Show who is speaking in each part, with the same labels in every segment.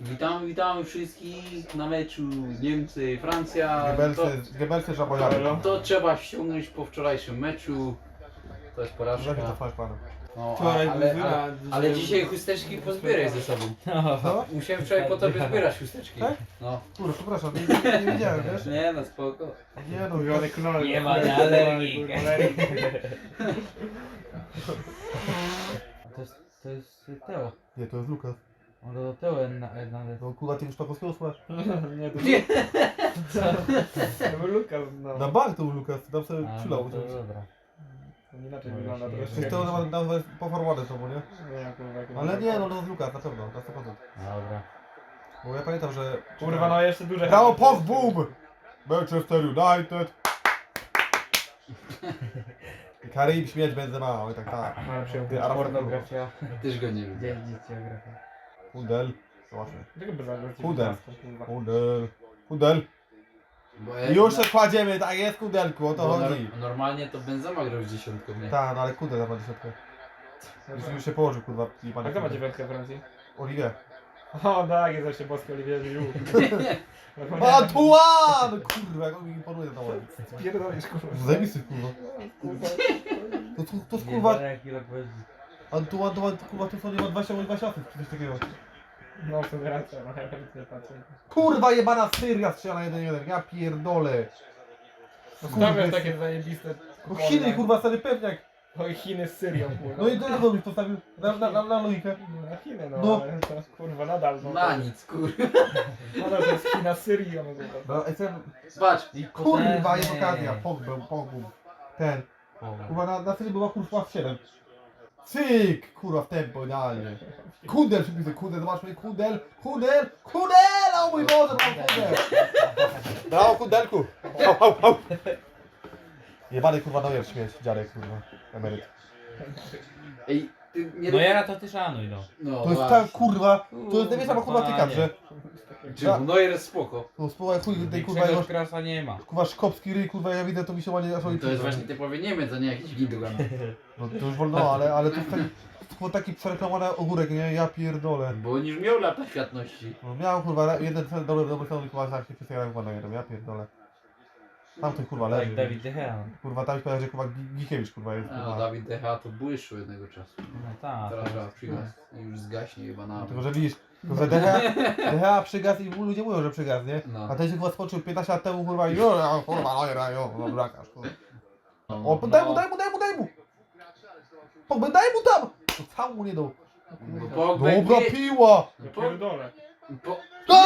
Speaker 1: Witamy wszystkich na meczu Niemcy, Francja.
Speaker 2: Gebelsy żabojary.
Speaker 1: To trzeba ściągnąć po wczorajszym meczu. To jest porażka.
Speaker 2: Lepiej to fajnie panu.
Speaker 1: No,
Speaker 3: Wczoraj
Speaker 1: ale dzisiaj chusteczki pozbieraj ze sobą.
Speaker 2: Co?
Speaker 1: Musiałem wczoraj po tobie zbierać chusteczki.
Speaker 2: Tak?
Speaker 1: No.
Speaker 2: Kurde, przepraszam, nie widziałem, wiesz?
Speaker 1: Nie no spoko.
Speaker 2: Nie no,
Speaker 3: Mówiony knol.
Speaker 4: Nie ma alergii. To jest Teo.
Speaker 2: Nie, to jest Lukas.
Speaker 4: On do Teo nawet.
Speaker 2: No kurwa, ty już Szpakowskiego słuchasz?
Speaker 3: Nie, to
Speaker 1: Nie.
Speaker 3: to był Lukas, no.
Speaker 2: Na bank to był Lukas, tam sobie
Speaker 4: A,
Speaker 2: przylał.
Speaker 4: no to dobra.
Speaker 3: To inaczej wygląda
Speaker 4: Przecież
Speaker 3: troszkę.
Speaker 2: Przecież to nawet poformowane to było, nie?
Speaker 3: Nie, kurwa, jak
Speaker 2: Ale nie, no to jest Lukas, na pewno, na 100%.
Speaker 4: Dobra.
Speaker 2: Bo ja pamiętam, że...
Speaker 3: Kurwa, no jeszcze duże...
Speaker 2: Brawo, Pogba! Manchester United! Karim, śmierć Benzema, oj tak, tak.
Speaker 3: Ale przyjął
Speaker 2: Ty, Arab
Speaker 3: pornografia.
Speaker 1: Też go nie lubię.
Speaker 4: Gdzie geografia?
Speaker 2: Kudel. Zobaczmy.
Speaker 3: Czego by zagrać?
Speaker 2: Pudel. Kudel.
Speaker 1: Bo
Speaker 2: Już się kładziemy, tak jest Kudelku, o to
Speaker 1: bo
Speaker 2: chodzi.
Speaker 1: normalnie to Benzema grał z dziesiątką, nie?
Speaker 2: Tak, no ale Kudel ma dziesiątkę. Już się położył, kurwa, i
Speaker 3: A kto ma dziewiątkę w Francji?
Speaker 2: Olivier.
Speaker 3: O tak, jest właśnie boski Olivier Giroud.
Speaker 2: Antoine! Kurwa, jak on mi imponuje na ładnie.
Speaker 3: Pierdolisz, kurwa.
Speaker 2: Zajebisty, kurwa. To jest kurwa,
Speaker 4: Jaki rok będzie?
Speaker 2: Antoine, kurwa, to co nie ma 20 bądź 20 czy coś takiego.
Speaker 3: No, w sumie racja, no ja nawet nie patrzę.
Speaker 2: Kurwa, jebana Syria strzela 1-1, ja pierdolę.
Speaker 3: No
Speaker 2: Kurwa,
Speaker 3: stawiasz
Speaker 2: jest-
Speaker 3: takie zajebiste...
Speaker 2: No Chiny, kurwa, stary pewniak.
Speaker 3: Oj, Chiny z Syrią, kurwa.
Speaker 2: No i to jak byś postawił na logikę.
Speaker 3: No, na Chiny, no,
Speaker 2: No.
Speaker 3: ale to, kurwa, nadal, no.
Speaker 1: Na nic, kurwa.
Speaker 3: Nadal to jest China z Syrią, no, kurwa.
Speaker 2: No, jestem,
Speaker 1: Patrz.
Speaker 2: kurwa, jest okazja, Pogba. Ten,
Speaker 4: Połowa.
Speaker 2: kurwa, na Syrii była kurwa 7. Cyk, kurwa, w tempo, idealnie. Kudel, przypisy, Kudel, zobaczmy, Kudel, o mój Boże, mam Kudel. Brawo, Kudelku. Au. Jebany, kurwa, Neuer, śmieć, dziadek, kurwa, emeryt.
Speaker 1: Ej, ty nie
Speaker 4: No ja to ty szanuj no.
Speaker 1: No
Speaker 2: To jest
Speaker 1: właśnie.
Speaker 2: tak, kurwa, to jest największa kurwa tyka, że...
Speaker 1: Czy Neuer jest spoko.
Speaker 2: No, spróbuj chuj tej, kurwa,
Speaker 4: Większego
Speaker 2: jego,
Speaker 4: krasa nie ma.
Speaker 2: kurwa, szkopski ryj, kurwa, ja widzę, to mi się ładnie aż
Speaker 1: To jest właśnie typowy Niemiec, a nie jakiś Gindogan.
Speaker 2: No to już wolno, ale to jest taki przereklamowany ogórek, nie? Ja pierdolę.
Speaker 1: Bo on już miał lata światności.
Speaker 2: No miałem kurwa jeden cel dobry stronę kurwa tak się przestawiałem chyba na jeden, ja pierdolę. Tam to kurwa
Speaker 4: Tak,
Speaker 2: leży.
Speaker 4: Dawid De Gea.
Speaker 2: Kurwa tam się że kurwa Gikiewicz kurwa jest
Speaker 1: A
Speaker 2: kurwa.
Speaker 1: Dawid Decha to błyszczył jednego czasu.
Speaker 4: No tak.
Speaker 1: Teraz trzeba przyjechać i już zgaśnie chyba na...
Speaker 2: Tylko że widzisz, to że DH przygasł i ludzie mówią, że przygasł, nie?
Speaker 1: No.
Speaker 2: A ten się chyba skoczył 15 lat temu kurwa i kurwa no brakasz kurwa.
Speaker 1: No.
Speaker 2: O, daj mu! Pogba, daj mu tam! To sam mu nie dał.
Speaker 1: Pogba,
Speaker 2: Dobra
Speaker 1: nie-
Speaker 2: piła!
Speaker 3: Ja pierdolę.
Speaker 1: Po...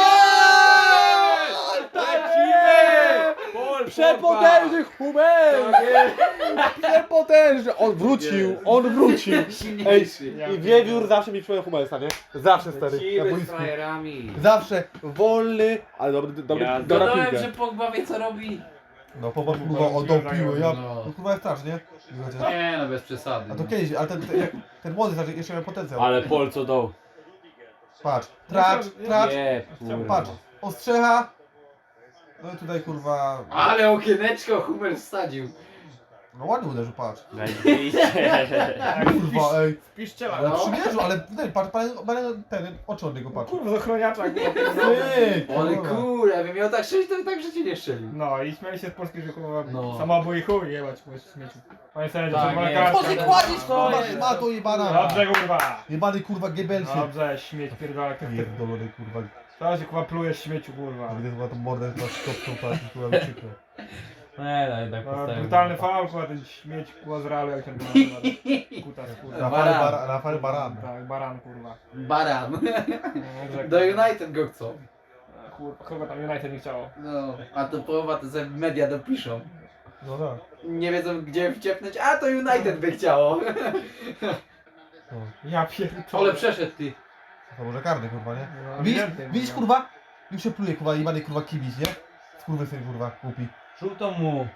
Speaker 2: Przepotężny Hummel! Przepotężny! On wrócił!
Speaker 1: Silniejszy.
Speaker 2: I wiewiór zawsze mi przypomina Hummelsa, nie? Zawsze stary, na
Speaker 4: z
Speaker 2: boisku.
Speaker 4: frajerami.
Speaker 2: Zawsze wolny, ale dobra
Speaker 1: Dodałem,
Speaker 2: piłka.
Speaker 1: że Pogba wie co robi.
Speaker 2: No popatrz kurwa, oddał piłę, ja...
Speaker 1: No.
Speaker 2: No kurwa jest straż, nie?
Speaker 1: Nie no, bez przesady.
Speaker 2: A to
Speaker 1: no.
Speaker 2: kiedyś, ale ten młody znaczy jeszcze miał potencjał.
Speaker 4: Ale Pol co dał.
Speaker 2: Patrz, tracz,
Speaker 4: Nie,
Speaker 2: patrz, ostrzecha. No i tutaj kurwa...
Speaker 1: Ale okieneczko Hummel wsadził.
Speaker 2: No ładnie uderzył, patrz.
Speaker 3: Tak,
Speaker 2: Kurwa, ej.
Speaker 3: piszczela.
Speaker 2: Ale
Speaker 1: No.
Speaker 2: przymierzył, ale ten, patrz, ten oczy od niego patrz.
Speaker 3: Kurwa, z ochroniacza, kurwa.
Speaker 2: Cyk,
Speaker 1: Ale
Speaker 2: kurwa.
Speaker 1: kurde, jakby miał tak strzelić, to by tak w życiu nie strzelił.
Speaker 3: No i śmiali się z Polski, że kurwa
Speaker 1: No.
Speaker 3: samobój chuj jebać po śmieciu. Panie sędzio,
Speaker 1: Tak,
Speaker 3: czerwona
Speaker 1: nie.
Speaker 3: kartka.
Speaker 2: Po co kładziesz kurwa,
Speaker 1: No,
Speaker 2: szmato jebana.
Speaker 3: Dobrze, kurwa.
Speaker 2: Jebany kurwa Gebelsie.
Speaker 3: Dobrze, śmieć, pierdolę.
Speaker 2: Pierdolony kurwa.
Speaker 3: Teraz się kurwa plujesz śmieciu, kurwa.
Speaker 2: Widzę chyba tą mordę na szkopką patrz, kurwa mi przykro.
Speaker 4: Nie, no jednak
Speaker 3: No,
Speaker 4: postawił.
Speaker 3: brutalny faul, kurwa, ten śmieć, kurwa, z Realu, jak ten kutas, kurwa.
Speaker 2: Rafael Baran.
Speaker 3: Tak, baran, kurwa.
Speaker 1: Baran.
Speaker 3: No, dobrze,
Speaker 1: Do
Speaker 3: kurwa.
Speaker 1: United go chcą.
Speaker 3: Kurwa, kogo tam United nie chciało.
Speaker 1: No, a to połowa to sobie media dopiszą.
Speaker 2: No tak.
Speaker 1: Nie wiedzą gdzie wciepnąć, a to United by chciało.
Speaker 2: No.
Speaker 3: Ja pierdolę.
Speaker 1: Ale przeszedł ty.
Speaker 2: To może karny kurwa, nie?
Speaker 3: No,
Speaker 2: Widzisz,
Speaker 3: ewidentnie,
Speaker 2: widzisz kurwa? Już się pluje kurwa, jebany kurwa kibic, nie? Skurwysyn kurwa, głupi.
Speaker 4: Żółtą mu.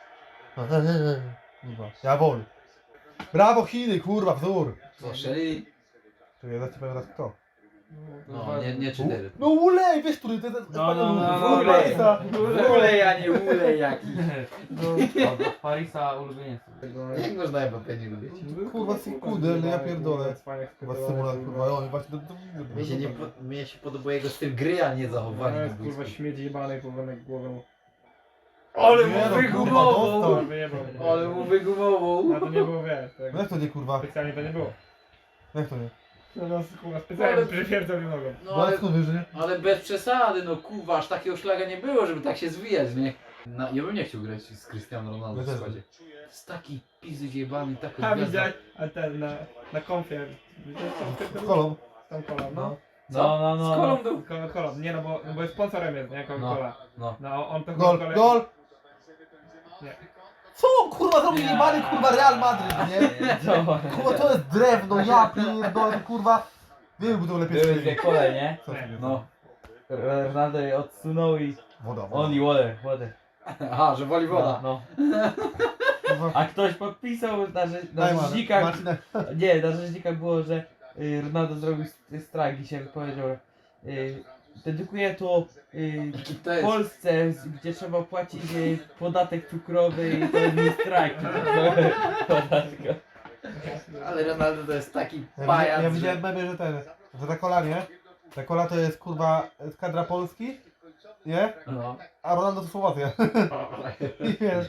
Speaker 2: Kurwa, ja wol. Brawo Chiny, kurwa, wzór.
Speaker 1: Co, szeli?
Speaker 2: Czekaj, ja ci powiem teraz kto.
Speaker 1: No, nie 4.
Speaker 2: No ulej, wiesz, który to jest Parisa.
Speaker 1: Ulej, a nie ulej jaki.
Speaker 4: Od Parisa ulubieniec.
Speaker 1: Jak można Mbappé nie lubić?
Speaker 2: Kurwa, kudel, ja pierdolę. Kurwa, symulat, kurwa, on właśnie
Speaker 1: Mnie się podoba jego styl gry, a nie zachowanie.
Speaker 3: No jest kurwa śmieć jebanej powolnej głową.
Speaker 1: Ale
Speaker 2: Nie,
Speaker 1: mu
Speaker 2: no,
Speaker 1: wygumował!
Speaker 2: kurwa,
Speaker 3: To wyjebał.
Speaker 1: Ale mu wygumował!
Speaker 3: No to nie było, wiesz, tak.
Speaker 2: No jak to nie, kurwa?
Speaker 3: Specjalnie to nie było.
Speaker 2: Jak to nie?
Speaker 3: No kurwa, specjalnie
Speaker 1: Ale-
Speaker 3: przypierdolił nogą.
Speaker 1: No
Speaker 2: No
Speaker 1: ale,
Speaker 2: skąd wiesz, że nie?
Speaker 1: ale bez przesady, no kurwa, aż takiego szlaga nie było, żeby tak się zwijać, nie? Ja bym nie chciał grać z Cristiano Ronaldo w
Speaker 2: Ja też.
Speaker 1: składzie. To jest taki pizzy zjebany, taka
Speaker 3: A
Speaker 1: gwiazda.
Speaker 3: widziałeś, a ten na konfie. Widziałeś
Speaker 2: Z kolą.
Speaker 3: Tą kolą, no.
Speaker 4: No,
Speaker 1: Z kolą był.
Speaker 3: Kolą, nie no bo jest sponsorem jest, nie? Coca-Cola.
Speaker 1: No.
Speaker 3: No on to
Speaker 2: Gol,
Speaker 3: Coca-Colę-
Speaker 2: gol!
Speaker 3: Nie.
Speaker 2: Co on, kurwa zrobił jebany, kurwa, Real Madryt, nie? Kurwa, to jest drewno, ja pierdolę, to, kurwa. Nie był to lepiej
Speaker 4: Były
Speaker 2: strzelił.
Speaker 4: dwie kole, nie?
Speaker 2: Co ty
Speaker 1: No.
Speaker 4: Ronaldo je odsunął i
Speaker 2: Woda, woda.
Speaker 4: only water.
Speaker 1: Aha, że woli woda.
Speaker 4: No.
Speaker 2: Kurwa.
Speaker 4: A ktoś podpisał na
Speaker 2: Daj, Marcin,
Speaker 4: rzeźnikach,
Speaker 2: Marcin,
Speaker 4: nie, na rzeźnikach było, że Ronaldo zrobił strajk i się powiedział, dedykuję to
Speaker 1: To jest...
Speaker 4: Polsce, gdzie trzeba płacić podatek cukrowy i to jest mój strajk. Podatku.
Speaker 1: Ale Ronaldo to jest taki
Speaker 2: Ja
Speaker 1: pajac,
Speaker 2: ja
Speaker 1: że...
Speaker 2: widziałem memy, że ta kola, nie? Ta kola to jest, kurwa, z kadra Polski, nie?
Speaker 1: No.
Speaker 2: A Ronaldo to Słowacja. I wiesz.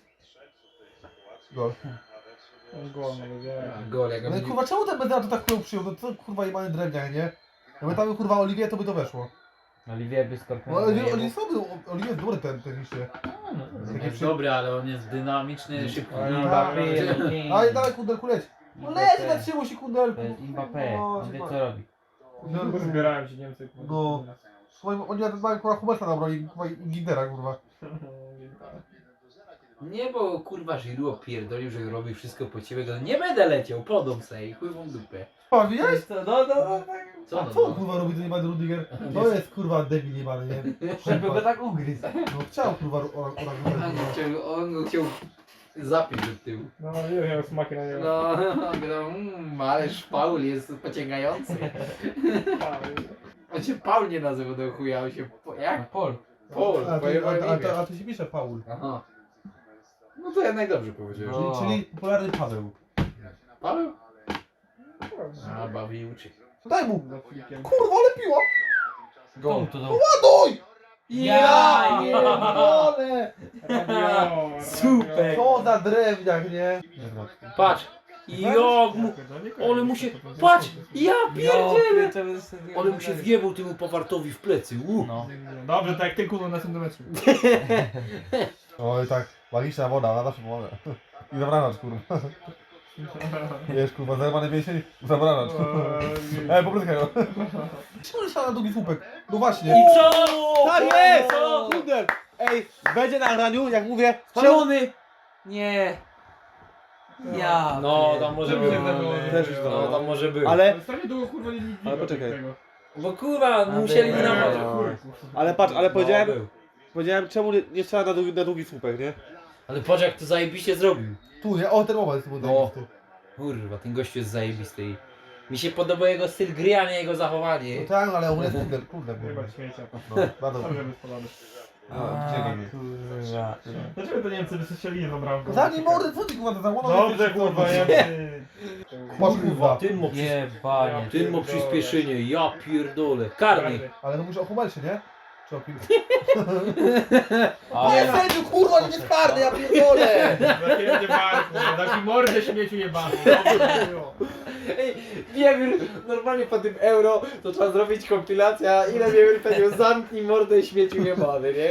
Speaker 2: Gol.
Speaker 3: Gol, no wiedziałem.
Speaker 1: Gol, jak
Speaker 2: No i
Speaker 1: on...
Speaker 2: kurwa, czemu ten Benzema to tak chują przyjął? No co kurwa jebany drewniak, nie? Jakby tam był, kurwa Olivier, to by to weszło.
Speaker 4: Olivier by
Speaker 2: No
Speaker 4: skorpion.
Speaker 2: Olivier słaby, Olivier jest dobry ten liście.
Speaker 1: On jest dobry, ale on jest dynamiczny, szybki.
Speaker 3: Ale
Speaker 4: Mbappé,
Speaker 2: Ale dawaj kundelku leć. No leć, zatrzymaj się kundelku.
Speaker 4: To jest Mbappé, on wie co robi.
Speaker 3: No, zbierałem się Niemcy.
Speaker 2: No. Oni nawet mają kurwa Huberta na broni, kurwa i Gignera, kurwa.
Speaker 1: Nie, bo kurwa Giroud opierdolił, że robi wszystko po ciebie, go nie będę leciał, podam se i chuj wam dupę.
Speaker 2: A widziałeś?
Speaker 4: No, tak.
Speaker 1: Co
Speaker 2: A
Speaker 1: no,
Speaker 2: co on
Speaker 1: no?
Speaker 2: kurwa robi ten jebany Rudiger? To jest kurwa debil jebany, nie?
Speaker 4: Żeby go tak ugryzł.
Speaker 2: No chciał kurwa
Speaker 1: On go chciał zapić do tyłu.
Speaker 3: No nie miał smaki na niego.
Speaker 1: No, ależ Paul jest pociągający. On się Paul nie nazywa do chuja, on się... Jak?
Speaker 4: Pol.
Speaker 1: Paul, pojebałem imię.
Speaker 2: A to się pisze Paul.
Speaker 1: Aha. No to ja najdobrze powiedziałem.
Speaker 4: No.
Speaker 2: Czyli popularny Paweł.
Speaker 1: Paweł? A, bawi uczy.
Speaker 2: Daj mu!
Speaker 3: Za flikiem.
Speaker 2: Kurwa, ale piła!
Speaker 4: Gol to dał.
Speaker 2: Ładuj!
Speaker 4: Ja
Speaker 2: pierdolę!
Speaker 3: Radio,
Speaker 4: Super.
Speaker 2: Co za drewniak, nie?
Speaker 1: Patrz! Jak mu... Ale mu się... Patrz! Ja pierdzielę! Ale mu się wjebał temu Pawartowi w plecy.
Speaker 4: No.
Speaker 3: Dobrze, tak jak ty kurwa na tym meczu.
Speaker 2: Oj tak, magiczna woda, ona zawsze pomoże. I zabranacz, kurwa. Wiesz, kurwa, zerwany mięsień, zabranacz. Popryskaj go. Czemu się na długi słupek? No właśnie.
Speaker 1: I co?
Speaker 2: Tak jest! Kundel! Ej, będzie na graniu, jak mówię,
Speaker 1: Spalony! Nie. Ja.
Speaker 4: No, tam może
Speaker 3: Czemu
Speaker 4: być.
Speaker 3: się zdarzyło?
Speaker 2: Też już
Speaker 4: No, tam może być.
Speaker 2: ale,
Speaker 3: Strasznie długo kurwa nie
Speaker 2: Ale poczekaj.
Speaker 3: tego.
Speaker 1: Bo kurwa, musieli
Speaker 4: Nie,
Speaker 1: nam...
Speaker 2: ale patrz, ale
Speaker 1: No, był.
Speaker 2: powiedziałem czemu nie trzeba na długi słupek, nie?
Speaker 1: Ale patrz jak to zajebiście zrobił.
Speaker 2: Tu, nie? O, ten moment był
Speaker 1: No.
Speaker 2: zajebisty.
Speaker 1: Kurwa, ten gościu jest zajebisty. i Mi się podoba jego styl gry, a nie jego zachowanie.
Speaker 2: No tak, ale on jest kundel,
Speaker 3: Chyba śmiecia.
Speaker 2: No, bardzo.
Speaker 3: Dobrze wyspalony.
Speaker 4: Kurwa.
Speaker 3: Dlaczego to Niemcy wystrzelili jedną bramkę?
Speaker 2: Zamknij mordę, co ty kurwa, to zamknął?
Speaker 3: Dobrze kurwa, Niemcy.
Speaker 2: Masz kurwa.
Speaker 1: Tym mo,
Speaker 4: Jebanie.
Speaker 1: tym mo przyspieszenie, ja pierdolę. Karny.
Speaker 2: Ale to mówisz o Humelsie, nie? Czy o kim?
Speaker 4: Ale
Speaker 2: Nie, sędziu, kurwa, nie jest karny, ja pierdolę!
Speaker 3: Zapierdnie barku, taki mordę śmieciu jebany. Dobrze było.
Speaker 1: Ej, Wiewiór, normalnie po tym euro to trzeba zrobić kompilacja, ile Wiewiór powiedział, zamknij mordę śmieciu jebany, nie?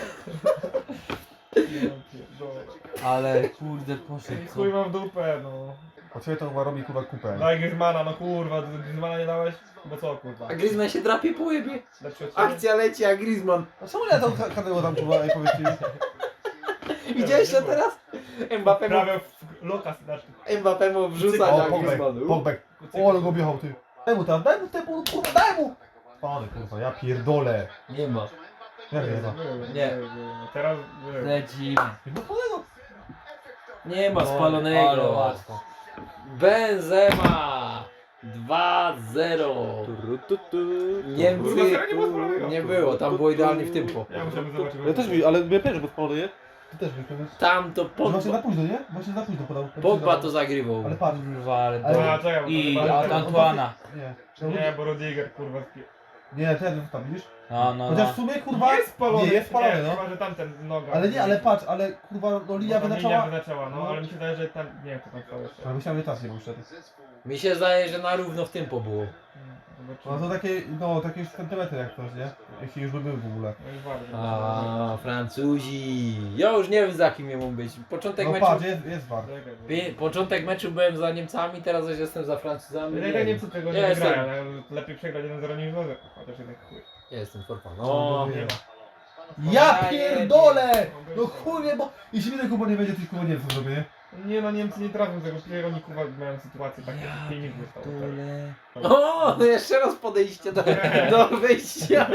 Speaker 4: Ale kurde poszedł.
Speaker 3: Chuj mam w dupę, no.
Speaker 2: Po ciebie to chyba robi kurwa kupę.
Speaker 3: Daj Griezmana, no kurwa, Griezmana nie dałeś? Bo co kurwa?
Speaker 1: A Griezmann się drapie po łebie.
Speaker 3: Lepszy od ciebie?
Speaker 1: Akcja leci, a Griezmann.
Speaker 2: A czemu ja tą kadrę tam kurwa, ej, powiedz ci?
Speaker 1: Widziałeś to teraz? Mbappé
Speaker 3: Prawie w lokas, znaczy.
Speaker 1: mu wrzuca
Speaker 2: O,
Speaker 1: na
Speaker 2: Pogbek,
Speaker 1: Griezmannu.
Speaker 2: Pogbek. O, ale go objechał, ty. Daj mu tam, kurwa, daj mu! Pany, kurwa, ja pierdolę.
Speaker 1: Nie ma.
Speaker 2: Jak nie ma?
Speaker 1: Nie.
Speaker 3: Teraz
Speaker 4: Lecimy.
Speaker 2: No polego.
Speaker 1: Nie ma
Speaker 4: Ale
Speaker 1: spalonego.
Speaker 4: łatwo.
Speaker 1: Benzema. 2-0. Niemcy
Speaker 3: Kurwa, nie było spalonego.
Speaker 1: nie było, tam było idealnie w tempo.
Speaker 3: Ja musiałbym zobaczyć.
Speaker 2: Ja też mi, ale ja pierwszy go spalony, nie? Ty też mi,
Speaker 1: Tam to
Speaker 2: Właśnie na
Speaker 1: Pogba,
Speaker 2: późno, nie? Właśnie na późno podał.
Speaker 1: Pogba to zagrywał.
Speaker 2: Ale patrz.
Speaker 4: Kurwa, ale
Speaker 2: Ale-
Speaker 3: A, czekaj, bo to
Speaker 4: I
Speaker 3: chyba-
Speaker 4: od Antuana.
Speaker 2: Nie.
Speaker 3: Nie, bo Rudiger kurwa
Speaker 2: Nie, ten tam widzisz?
Speaker 4: No.
Speaker 2: Chociaż w sumie kurwa
Speaker 3: jest spalony.
Speaker 2: nie jest spalony,
Speaker 3: nie,
Speaker 2: no.
Speaker 3: Chyba, że tamten noga.
Speaker 2: Ale nie, ale patrz, ale kurwa no linia
Speaker 3: Linia
Speaker 2: wyznaczała.
Speaker 3: wyznaczała, no ale mi się wydaje, że tam, nie wiem, co tam stało jeszcze.
Speaker 2: Ale myślałem, że czas nie był wtedy.
Speaker 1: Mi się zdaje, że na równo w tempo było.
Speaker 2: No to takie, no takie już centymetry jak coś, nie? Jeśli już by był w ogóle.
Speaker 3: No i bardzo.
Speaker 1: A, Francuzi. Ja już nie wiem za kim ja mam być. Początek
Speaker 2: No
Speaker 1: meczu.
Speaker 2: patrz, jest war.
Speaker 1: Początek meczu byłem za Niemcami, teraz już jestem za Francuzami.
Speaker 3: Ja nie wiem, co tego
Speaker 1: Ja
Speaker 3: nie
Speaker 1: jestem-
Speaker 3: wygrają, ale lepiej przegrać 1-0 niż 2-0. Chociaż jednak chuj.
Speaker 1: Ja jestem for fun.
Speaker 2: No,
Speaker 1: No,
Speaker 3: Nie ma.
Speaker 2: Ja pierdolę! No chuj nie, bo jeśli mnie Kuba nie będzie, to Kuba nie wiem co zrobię, nie?
Speaker 3: Nie no, Niemcy nie trafią tego, przecież oni kurwa mają sytuację takie, jak filmik wystało.
Speaker 1: o, jeszcze raz podejście do wyjścia.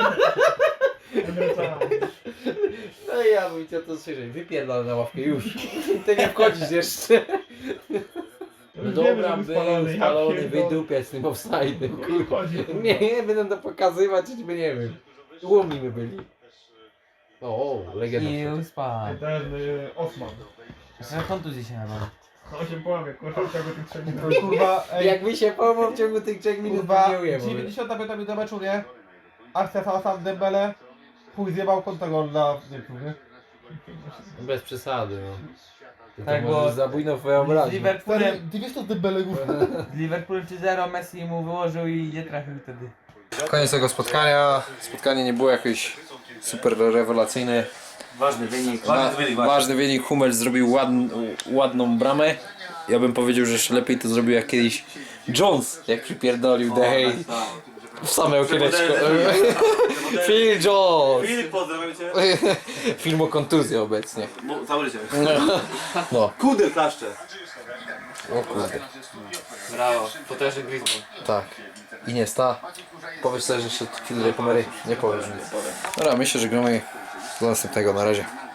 Speaker 1: No i ja bym chciał to słyszeć. Wypierdolę na ławkę już. Ty nie wchodzisz jeszcze. No dobra, był spalony, wydupiać z tym offside'em, kurwa. Nie, będę to pokazywać, choćby nie wiem. Łomni my byli. O, legenda.
Speaker 4: I spadł.
Speaker 3: Ten Osman.
Speaker 4: Na kontuzji się nabawił.
Speaker 3: On się połamie, kurwa, w ciągu tych 3 minut.
Speaker 2: To kurwa, ej,
Speaker 1: Jakby się pomógł w ciągu tych 3 minut,
Speaker 2: kurwa,
Speaker 1: to nie ujemy.
Speaker 2: 95 minut do meczu, nie? Akcja cała sam Dembele. Chuj zjebał kontragol dla Niemców, nie?
Speaker 1: Bez przesady, no. Ty
Speaker 4: Tak,
Speaker 1: to
Speaker 4: bo-
Speaker 1: możesz zabójną twoją
Speaker 4: Z
Speaker 1: obraźnię.
Speaker 4: Liverpoolem,
Speaker 2: Ty wiesz to Dembele kurwa?
Speaker 4: z Liverpoolem 3-0 Messi mu wyłożył i nie trafił wtedy.
Speaker 5: Koniec tego spotkania. Spotkanie nie było jakieś super rewelacyjne.
Speaker 6: Ważny wynik,
Speaker 5: Ważny wynik. Hummels zrobił ładną bramę. Ja bym powiedział, że jeszcze lepiej to zrobił jak kiedyś Jones, jak przypierdolił The Hay w same okieneczko. Phil Jones!
Speaker 6: Filip, pozdrawiam cię.
Speaker 5: Film o kontuzji obecnie.
Speaker 6: Cały życie.
Speaker 5: No,
Speaker 6: Kudel klaszcze.
Speaker 5: o kurde.
Speaker 6: Brawo, potężny Griezmann.
Speaker 5: Tak. Iniesta. Powiesz sobie, że jeszcze chwilę do kamery. Nie powiesz nic. Dobra, myślę, że gramy do następnego. Na razie.